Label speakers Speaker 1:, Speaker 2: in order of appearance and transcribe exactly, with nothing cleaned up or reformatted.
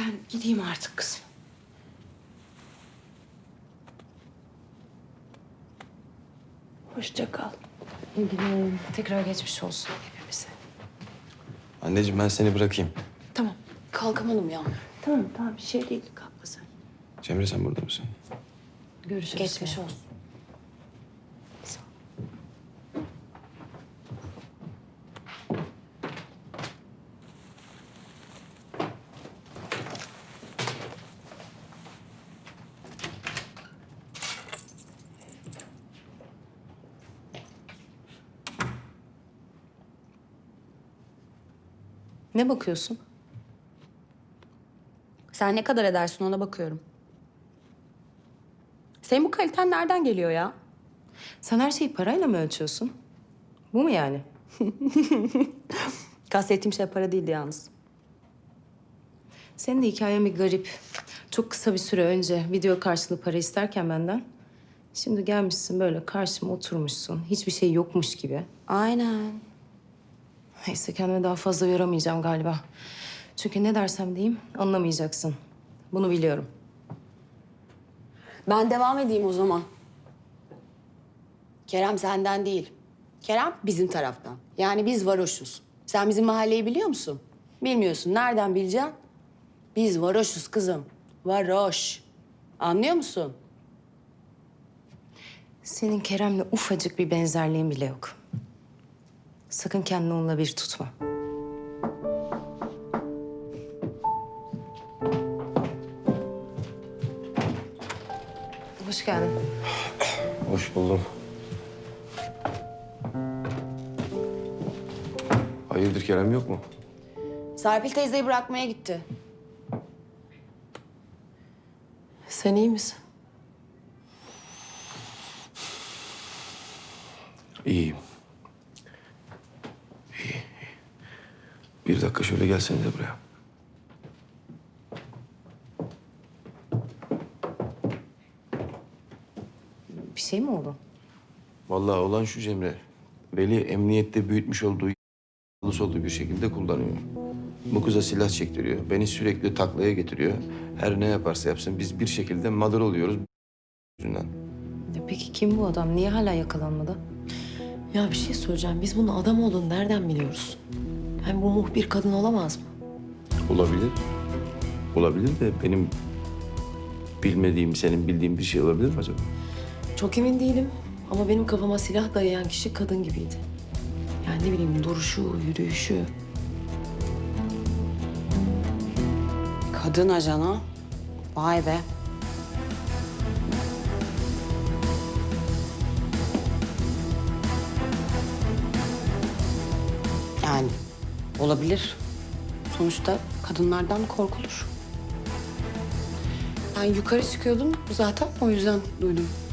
Speaker 1: Ben gideyim artık kızım. Hoşça kal.
Speaker 2: İlgilenelim. Tekrar geçmiş olsun hepimize.
Speaker 3: Anneciğim ben seni bırakayım.
Speaker 1: Tamam. Kalkamadım ya. Tamam tamam bir şey değil. Kalkma sen.
Speaker 3: Cemre sen burada mısın?
Speaker 2: Görüşürüz.
Speaker 1: Geçmiş olsun.
Speaker 2: Ne bakıyorsun? Sen ne kadar edersin ona bakıyorum. Senin bu kaliten nereden geliyor ya? Sen her şeyi parayla mı ölçüyorsun? Bu mu yani? Kastettiğim şey para değildi yalnız. Senin de hikayen bir garip. Çok kısa bir süre önce video karşılığı para isterken benden. Şimdi gelmişsin böyle karşıma oturmuşsun. Hiçbir şey yokmuş gibi.
Speaker 1: Aynen.
Speaker 2: Neyse kendime daha fazla yoramayacağım galiba. Çünkü ne dersem diyeyim anlamayacaksın. Bunu biliyorum.
Speaker 1: Ben devam edeyim o zaman. Kerem senden değil. Kerem bizim taraftan. Yani biz varoşuz. Sen bizim mahalleyi biliyor musun? Bilmiyorsun. Nereden bileceksin? Biz varoşuz kızım. Varoş. Anlıyor musun?
Speaker 2: Senin Kerem'le ufacık bir benzerliğin bile yok. Sakın kendini onunla bir tutma. Hoş geldin.
Speaker 3: Hoş buldum. Hayırdır Kerem yok mu?
Speaker 1: Serpil teyzeyi bırakmaya gitti. Sen iyi misin?
Speaker 3: İyiyim. İyi, iyi. Bir dakika şöyle gelsenize buraya.
Speaker 2: Bir şey mi oldu?
Speaker 3: Vallahi olan şu Cemre. Veli emniyette büyütmüş olduğu soldu bir şekilde kullanıyor. Bu kıza silah çektiriyor. Beni sürekli taklaya getiriyor. Her ne yaparsa yapsın biz bir şekilde mağdur oluyoruz yüzünden.
Speaker 2: Ya peki kim bu adam? Niye hala yakalanmadı?
Speaker 4: Ya bir şey söyleyeceğim. Biz bunun adam olduğunu nereden biliyoruz? Hem bu muhbir kadın olamaz mı?
Speaker 3: Olabilir. Olabilir de benim bilmediğim, senin bildiğin bir şey olabilir mi acaba?
Speaker 4: Çok emin değilim. Ama benim kafama silah dayayan kişi kadın gibiydi. Yani ne bileyim duruşu, yürüyüşü.
Speaker 1: Kadın ajan ha? Vay be. Yani olabilir. Sonuçta kadınlardan korkulur. Ben yukarı çıkıyordum zaten o yüzden duydum.